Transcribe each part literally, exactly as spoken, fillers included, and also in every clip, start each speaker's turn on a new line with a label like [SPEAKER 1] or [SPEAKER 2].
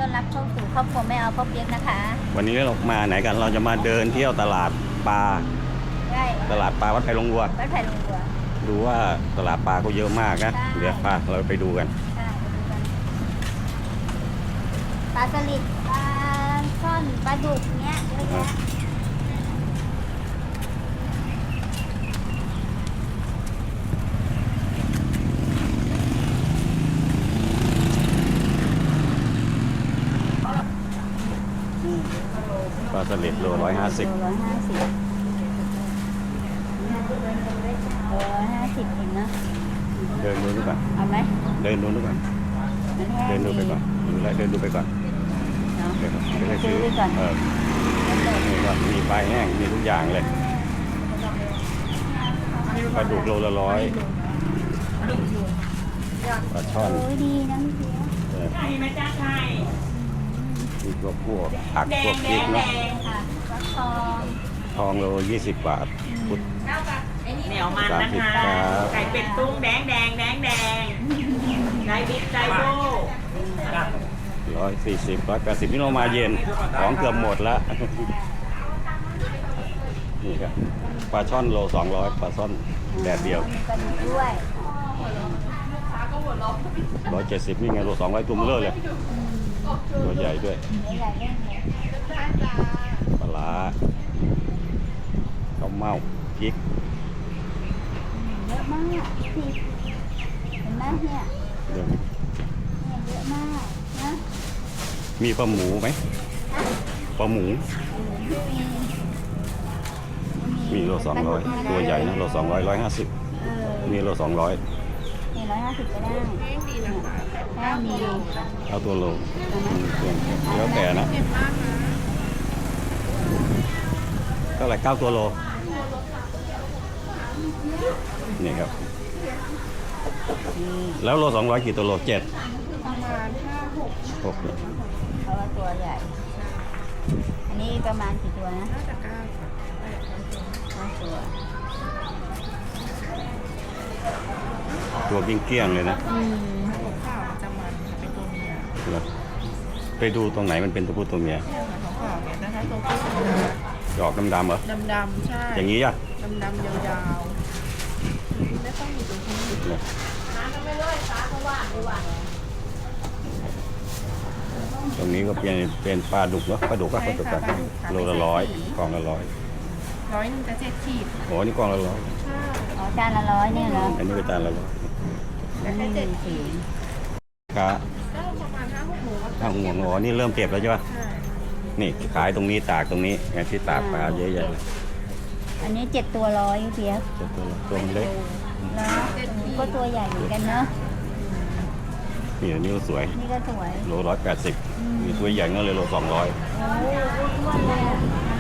[SPEAKER 1] อนรับเข้าสู่ครอบครัวแม่เอาพ่อเปี๊ยกนะคะ
[SPEAKER 2] วันนี้เรามาไหนกันเราจะมาเดินเที่ยวตลาดปลา
[SPEAKER 1] ได้
[SPEAKER 2] ตลาดปลาวัดไผ่ลงวัว
[SPEAKER 1] วัดไผ่ลงวัว
[SPEAKER 2] ดูว่าตลาดปลาก็เยอะมากนะ
[SPEAKER 1] ใช่
[SPEAKER 2] เดี๋ยวพาเราไปดูกัน
[SPEAKER 1] ใช่ไปดูกันปลาสลิดปลาช่อนปลาดุกเนี้ยเยอะแยะ
[SPEAKER 2] ปลาสลิดโลร้อยห้าสิบ
[SPEAKER 1] ร้อยห้าสิบร้อยห้าสิบเองนะ
[SPEAKER 2] เดินดูดูก่อน
[SPEAKER 1] เอาไหม
[SPEAKER 2] เดินดูดูก่อน
[SPEAKER 1] มันแห้ง
[SPEAKER 2] เดินดูไปก่อนดูแลวเดินดูไปก่อน
[SPEAKER 1] เนาะ
[SPEAKER 2] เดี๋ยวเดี๋ยวไป
[SPEAKER 1] ซื้
[SPEAKER 2] ซื้
[SPEAKER 1] อ
[SPEAKER 2] อ
[SPEAKER 1] ไปก่อน
[SPEAKER 2] เออนี่ก็มีปลาแห้งมีทุกอย่างเลยปลาดุกโลละร้อยปลาช่อน
[SPEAKER 1] โอ้ยดีนะพี่เปี๊ยก
[SPEAKER 2] เออ
[SPEAKER 3] ไข่ไหมจ้าไข่
[SPEAKER 2] มีพวกพวกผักพวกพริกเนาะ
[SPEAKER 1] ค่ะฟักทอง
[SPEAKER 2] ทองโลยี่สิบบาทพุทธ
[SPEAKER 3] เหนียวมันนะ
[SPEAKER 2] สามสิบ
[SPEAKER 3] คะ
[SPEAKER 2] ครับ
[SPEAKER 3] ไก่เป็ดตุ้งแดงแดงแดงแดงไก่บิ๊กไก่โบ
[SPEAKER 2] ร้อยสี่สิบร้อยแปดสิบนี่เรามาเย็นของเกือบหมดแล้วนี่ครับปลาช่อนโลสองร้อยปลาช่อนแดดเดียว
[SPEAKER 1] มีปลาดุกด้วย
[SPEAKER 2] ร้อยเจ็ดสิบนี่ไงโลสองร้อยตัวเบลอเลยตัวใหญ่ด้วย
[SPEAKER 1] มีหลายเรื่องเลย
[SPEAKER 2] ปลาร้าข้าวเม่าพริก
[SPEAKER 1] เยอะมากพี่เห็นไหมเนี่ย
[SPEAKER 2] เดี๋ยว
[SPEAKER 1] เนี่ยเยอะมากนะ
[SPEAKER 2] มีปลาหมูไหมปลาหมู
[SPEAKER 1] มี
[SPEAKER 2] มีโลสองร้อยตัวใหญ่นะโลสองร้อยร้อยห้าสิบ
[SPEAKER 1] เออ
[SPEAKER 2] มีโลสองร้อย
[SPEAKER 1] นี่ร้อยห้าสิบก็ได้แค่มี
[SPEAKER 2] เอาตัวโลแล้วแต่นะเท่าไหร่เก้าตัวโลนี่ครับแล้วโลสองร้อยกี่ตัวโลเจ็ด
[SPEAKER 1] ประมาณห้าหก
[SPEAKER 2] หกเนี่ย
[SPEAKER 1] เพราะว่าตัวใหญ่ อันนี้ประมาณกี่ตัวนะน่าจะเก้าห้าตัว
[SPEAKER 2] ตัวเกลี้ยงๆเลยนะ
[SPEAKER 1] อืม
[SPEAKER 3] ข้าวจะมันเป็นตัวเมีย
[SPEAKER 2] เหรอไปดูตรงไหนมันเป็นตัวผู้ตัวเมีย
[SPEAKER 3] ของข้าวเนี่ยนะคะตัวผู้
[SPEAKER 2] ดอกดำๆเหรอ
[SPEAKER 3] ดำดำๆใช่
[SPEAKER 2] อย่างนี้อ่ะ
[SPEAKER 3] ดำดำๆยาวๆไม่ต้องมีตัวผู้
[SPEAKER 2] เนี่ยตรงนี้ก็เป็นเป็นปลาดุกเนาะปลาดุกก็ปลาดุกกันโลละร้อยกล่องละร้อย
[SPEAKER 3] ร้อยหนึ่งจะเจ็ดขีด
[SPEAKER 2] โอ้นี่กล่องละร้อย
[SPEAKER 1] อ๋อจานละร้อยเนี่ยเหรอ
[SPEAKER 2] อันนี้ก็จานละร้อย
[SPEAKER 1] อืมสี
[SPEAKER 2] ค้า
[SPEAKER 3] ก็ประมาณห้าหกโมง
[SPEAKER 2] ถ้าห่วงอ๋อนี่เริ่มเก็บแล้วใช่ปะ
[SPEAKER 3] ใช่
[SPEAKER 2] นี่ขายตรงนี้ตากตรงนี้ไงที่ตากปลาเยอะแยะเลย
[SPEAKER 1] อันนี้เจ็ดตัวร้อยพี่เปี๊ยก
[SPEAKER 2] ตัวตัวตัวมันเล็ก
[SPEAKER 1] แล้วก็ตัวใหญ่เหมือนกันเนาะ
[SPEAKER 2] นี่อันนี้ก็สวย
[SPEAKER 1] นี่ก็สวย
[SPEAKER 2] โลร้อยแปดสิบมีตัวใหญ่ก็เลยโลสองร้อย
[SPEAKER 1] โอ้ยอ้วนเลยอะ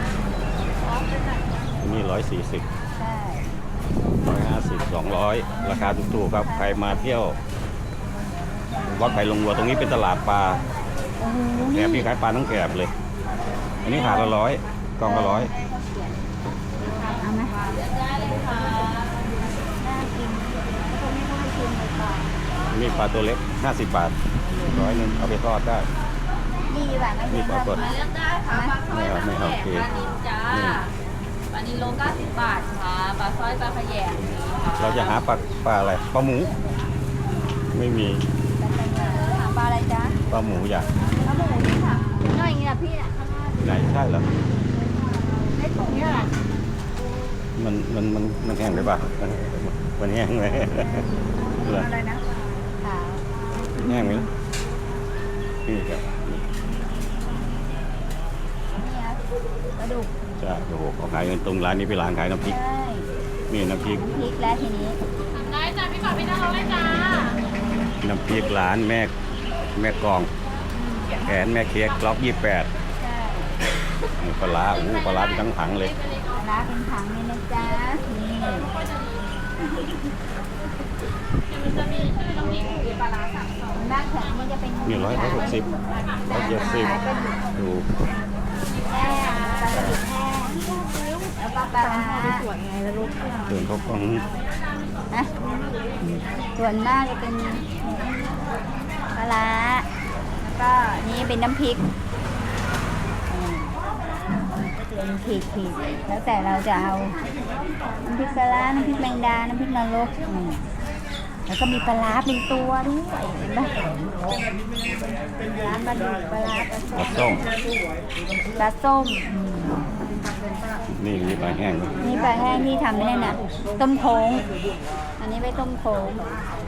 [SPEAKER 2] นี่ร้อยสี่สิบ
[SPEAKER 1] ใช่
[SPEAKER 2] ร้อยห้าสิบสองร้อยราคาถูกๆครับใครมาเที่ยววัดไผ่ลงวัวตรงนี้เป็นตลาดปลา
[SPEAKER 1] โอ้โห
[SPEAKER 2] แกบพี่ขายปลาทั้งแกบเลย อันนี้ถาดละร้อยกล่องละร้อย
[SPEAKER 1] เอาไหมได้เลยค่ะน่ากินคนไม่ต้องไปกินเลยค่ะ
[SPEAKER 2] มีปลาตัวเล็กห้าสิบบาทร้อยหนึงเอาไปทอดได้
[SPEAKER 1] ดีกว่าไม่
[SPEAKER 2] นี่
[SPEAKER 1] ใช่
[SPEAKER 2] ปลาสด
[SPEAKER 1] ไหม
[SPEAKER 4] เลือกได้ค่ะปลาสร้อยปลา
[SPEAKER 2] ไม่
[SPEAKER 4] ข
[SPEAKER 2] เอา
[SPEAKER 4] ย
[SPEAKER 2] โอเค
[SPEAKER 4] งปลานิลจ้า
[SPEAKER 2] อืม
[SPEAKER 4] ปลานิลโลเก้าสิบบาทค่ะปลาสร้อยปลาขยงมีค่ะ
[SPEAKER 2] เราจะหาปลาปลาอะไรปลาหมู ไม่มี
[SPEAKER 1] ถามปลาอะไรจ๊ะ
[SPEAKER 2] ปลาหมูอย่าง
[SPEAKER 1] ปลาหมูนี่ค่ะน้อยอย่างนี้แหละพี่น่ะข้างหน้า
[SPEAKER 2] ไหนใช่เหรอ
[SPEAKER 1] ในถุงเนี่ย
[SPEAKER 2] มันมันมันมันแห้งไปป่ะมันแห้งไหมเหรอ
[SPEAKER 1] อะไรนะขาว
[SPEAKER 2] แห้งไหมนี่ครับ
[SPEAKER 1] นี่ครับปลาดุก
[SPEAKER 2] จ้าโอ้โหเขาขายกันตรงร้านนี้เป็นร้านขายน้ำพริก
[SPEAKER 1] ใช่
[SPEAKER 2] นี่น้ำพริก
[SPEAKER 1] พริกแล้วทีนี้
[SPEAKER 4] ได้จ้าพี่ก่อนพี่น้องเลยจ้า
[SPEAKER 2] น้ำพริกร้านแม่แม่กองแขนแม่เค้กล็อกยี่แปด
[SPEAKER 1] ใช่
[SPEAKER 2] ปลาร้าโอ้โหปลาร้าเป็นทั้งถังเลย
[SPEAKER 1] ปลาร้าเป็นถังเลยนะจ๊ะนี่
[SPEAKER 4] มันจะมีชื่อน้ำพริกหรือปลาร้าสามสอง
[SPEAKER 1] ด้านแข็งมันจะเป็น
[SPEAKER 2] นี่ร้อยร้อยหกสิบร้อยเจ็ดสิบดู
[SPEAKER 1] แห้งปลาดุกแห้งแล้วก็ปลาร้า
[SPEAKER 3] สวยไงแล้วลูก
[SPEAKER 2] เดินเขากล้อง
[SPEAKER 1] นะส่วนมากจะเป็นปลาร้าแล้วก็นี่เป็นน้ำพริกอืมเป็นขีดขีดแล้วแต่เราจะเอาน้ำพริกปลาร้าน้ำพริกแมงดาน้ำพริกนรกอืมแล้วก็มีปลาร้าเป็นตัวด้วยเห็นปะปลาร้าปลาดุกปลาร้าปลา
[SPEAKER 2] ปลาส้ม
[SPEAKER 1] ปลาส้มอืม
[SPEAKER 2] นี่มีปลาแห้งด้วย
[SPEAKER 1] นี่ปลาแห้งที่ทำเนี่ยน่ะต้มโค้งอันนี้ไปต้มโค้ง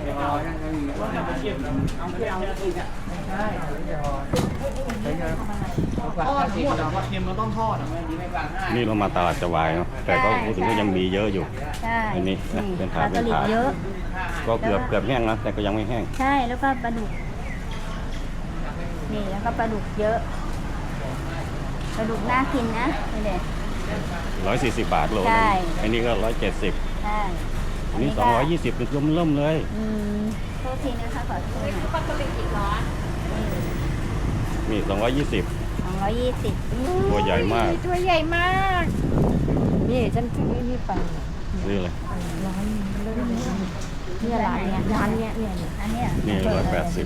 [SPEAKER 5] ทอดหมดอ่ะปลาเค็มมันต้องทอดอ่ะ
[SPEAKER 2] นี่เรามาตลาดจวายเนาะแต่ก็พูดถึงก็ยังมีเยอะอยู่
[SPEAKER 1] ใช่
[SPEAKER 2] อันนี้นะเป็นถาด
[SPEAKER 1] ปลาสลิด
[SPEAKER 2] เป็นถาด
[SPEAKER 1] เยอะ
[SPEAKER 2] ก็เกือบเกือบแห้งแล้วแต่ก็ยังไม่แห้ง
[SPEAKER 1] ใช่แล้วก็ปลาดุกนี่แล้วก็ปลาดุกเยอะปลาดุกน่ากินนะนี่เด็
[SPEAKER 2] ร้อยสี่สิบบาทโลนึ
[SPEAKER 1] ใช่
[SPEAKER 2] งอันนี้ก็ร้อยเจ็ดสิบ
[SPEAKER 1] ใช่
[SPEAKER 2] อันนี้สองร้อยยี่สิบเป็นเริ่มเลย
[SPEAKER 1] อืมโทษทีนะคะขอโทษหน่อย
[SPEAKER 4] ปลาสลิดอีกร้อน
[SPEAKER 2] นี่สองร้อยยี่สิบ
[SPEAKER 1] สองร้อยยี่สิบ
[SPEAKER 2] ตัวใหญ่มาก
[SPEAKER 1] ตัวใหญ่มาก นี่ฉันซื้อนี่ไป
[SPEAKER 2] นี่เลย
[SPEAKER 1] นี่อะไรเนี่ยร้านเนี้ยเนี่ยอันเนี้ย
[SPEAKER 2] นี่ร้อยแปดสิบ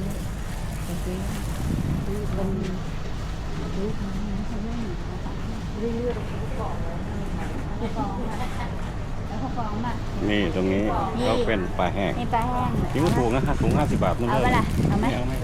[SPEAKER 1] แล้วเขาฟ้องมา
[SPEAKER 2] นี่ตรงนี้ก็เป็นปลาแห้ง
[SPEAKER 1] นี่ปลาแห้ง
[SPEAKER 2] นี่ก็ถูกนะถุงห้าสิบบาทนั่น
[SPEAKER 1] เอา
[SPEAKER 2] เล
[SPEAKER 1] ไป
[SPEAKER 2] ย
[SPEAKER 1] ละเอาไหม
[SPEAKER 2] เอาไหม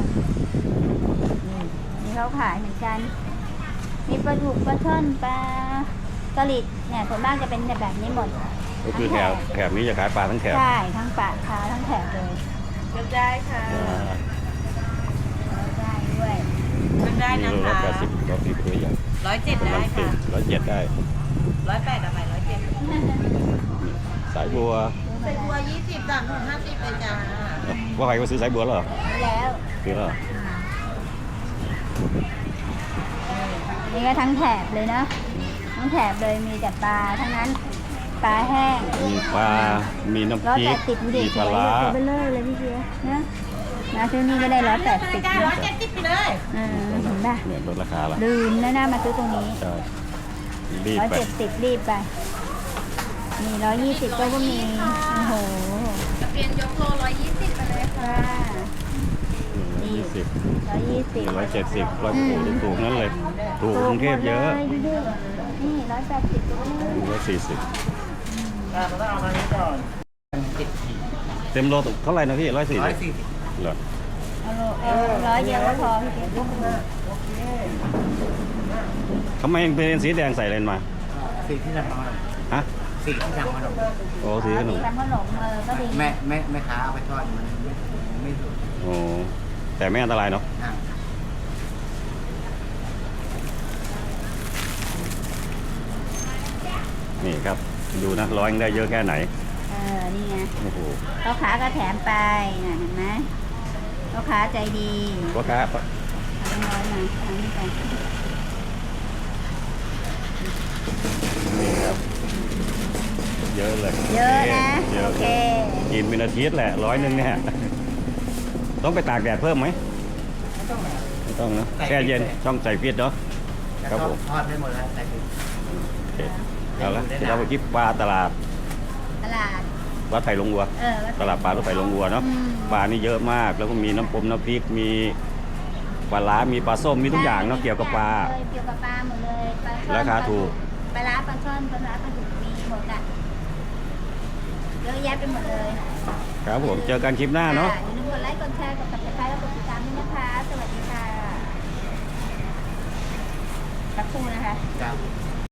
[SPEAKER 1] นี่เขาขายเหมือนกัน มีปลาดุกปลาช่อนปลาสลิดเนี่ยส่วนมากจะเป็นแบบนี้หมด
[SPEAKER 2] ก็คือแถบแถบนี้จะขายปลาทั้งแถบ
[SPEAKER 1] ใช่ทั้งปากค้าทั้งแถบเลย
[SPEAKER 4] เลือกได้ค่ะ
[SPEAKER 2] อ่า
[SPEAKER 1] ได้ด้วย
[SPEAKER 3] เลือกได้
[SPEAKER 2] นี่
[SPEAKER 3] นะ
[SPEAKER 2] ร้อย
[SPEAKER 3] คะ
[SPEAKER 2] แปดสิบร้อยสิบตัวใหญ่
[SPEAKER 3] ร้อยเจ็ดได้
[SPEAKER 2] ร้อย
[SPEAKER 3] ค่ะ
[SPEAKER 2] ร้อยเจ็ดได้
[SPEAKER 3] ร้อยแปดกับไปร้อยเจ็ด
[SPEAKER 2] สายบัว
[SPEAKER 3] ใส่บัวยี่สิบสามถึงห้าสิบเลยจ้า
[SPEAKER 2] ว่าใครก็ซื้อสายบัวแล้วเหรอ
[SPEAKER 1] แล้ว
[SPEAKER 2] ซื้อแล้วเหรอ
[SPEAKER 1] นี่ก็ทั้งแถบเลยนะทั้งแถบเลยมีแต่ปลาทั้งนั้นปลาแห้ง
[SPEAKER 2] มีปลา มีน้ำ
[SPEAKER 1] ร้อย
[SPEAKER 2] พริ
[SPEAKER 1] แป
[SPEAKER 2] ก
[SPEAKER 1] ดสิบดูดิ
[SPEAKER 2] มีปลาร้า
[SPEAKER 1] ตัวเบลเลอร์เลยพี่เชียนะมาซื้อนี่ก็ได้ร้อยแปดสิบ
[SPEAKER 3] จ้า
[SPEAKER 1] นะ
[SPEAKER 3] ร้อยเจ็ดสิบไปเลย
[SPEAKER 1] เออเห็นป่ะ
[SPEAKER 2] เนี่ยลดราคาละ
[SPEAKER 1] ลืมแล้วนะมาซื้อตรงนี้
[SPEAKER 2] ใช่รีบ
[SPEAKER 1] ร้อย
[SPEAKER 2] ไป
[SPEAKER 1] เจ็ดสิบรีบไปมีร้อยยี่สิบก็ก็มีโอ้โห
[SPEAKER 4] จะเปลี่ยนยกโลร้อยยี่สิบไปเลยค่ะ
[SPEAKER 1] ว่า
[SPEAKER 2] ยี่สิบ
[SPEAKER 1] ร้อยยี่สิบ
[SPEAKER 2] ร้อยเจ็ดสิบร้อยโอ้โหถูกๆนั่นเลย ถูกกรุงเทพเยอะ
[SPEAKER 1] ถูกหมดลดูดินี่ร้อยแปดสิบก็มี
[SPEAKER 2] ร้อยสี่สิบ
[SPEAKER 5] เราต้องเอามานี้ก่อนเจ็ดขีด
[SPEAKER 2] เต็มโลเท่าไหร่นะพี่ร้อยสี่
[SPEAKER 5] ร้อ
[SPEAKER 2] สิ
[SPEAKER 5] ย
[SPEAKER 2] บ
[SPEAKER 5] สี่สิบ
[SPEAKER 2] เหรอ
[SPEAKER 1] เอาโลเอาร้อยเดียวก็พอพี่เก๋
[SPEAKER 2] ทำไมเป็นสีแดงใส่เลนมา
[SPEAKER 5] สีที่ทำมา
[SPEAKER 2] ฮะ
[SPEAKER 5] สีที่ทำขนม
[SPEAKER 2] โอ้สีขนม
[SPEAKER 1] ทำขนมเออก็ดี
[SPEAKER 5] แม่แม่แม่ค้าเอาไปทอดมันไม่ไม่สุก
[SPEAKER 2] โอ้แต่ไม่อันตรายเนาะ
[SPEAKER 5] อ่ะ
[SPEAKER 2] นี่ครับ ดูนะร้อยยังได้เยอะแค่ไหน
[SPEAKER 1] เออนี่ไง
[SPEAKER 2] โอ้โห
[SPEAKER 1] ลูกค้าก็แถมไปน่ะเห็นไหมลูกค้าใจดี
[SPEAKER 2] พ่อค้า
[SPEAKER 1] เอาเป็นร้อยมาเอานี่ไป
[SPEAKER 2] นี่ครับ เยอะเลย
[SPEAKER 1] เยอะนะ
[SPEAKER 2] เยอะ
[SPEAKER 1] โอเค
[SPEAKER 2] กินเป็นอาทิตย์แหละร้อยหนึ่งเนี่ย ต้องไปตากแดดเพิ่มไหมไม่ต้องเนอะแช่เย็นช่องใส่ฟิตเนาะ
[SPEAKER 5] แล้ว
[SPEAKER 2] ครับ
[SPEAKER 5] ก็
[SPEAKER 2] ผม
[SPEAKER 5] ทอดได้หมดแล้วใส่ถุง
[SPEAKER 2] โอเคเอาละเดี๋ยวเราไปคิดปลาตลาด
[SPEAKER 1] ตลาด
[SPEAKER 2] วัดไผ่ลงวัว
[SPEAKER 1] เออ
[SPEAKER 2] ตลาดปลารถไฟลงวัวเนาะ
[SPEAKER 1] อืม
[SPEAKER 2] ปลานี่เยอะมากแล้วก็มีน้ำปมน้ำพริกมีปลาร้ามีปลาส้มมีทุกอย่างเนาะเกี่ยวกับปลา
[SPEAKER 1] เลยเกี่ยวกับปลาหมดเลยปลาช่อน
[SPEAKER 2] ราคาถูก
[SPEAKER 1] ปลาร้าปลาช่อนปลาร้าปลาดุกมีหมดอ่ะเยอะแยะไปหมดเลย
[SPEAKER 2] ครับผมเจอกันคลิปหน้าเนาะ
[SPEAKER 1] อย่าลืมกดไลค์กดแชร์กดติดตามและกดติดตามด้วยนะคะ สวัสดีค่ะสักครู่นะคะ
[SPEAKER 5] จ้า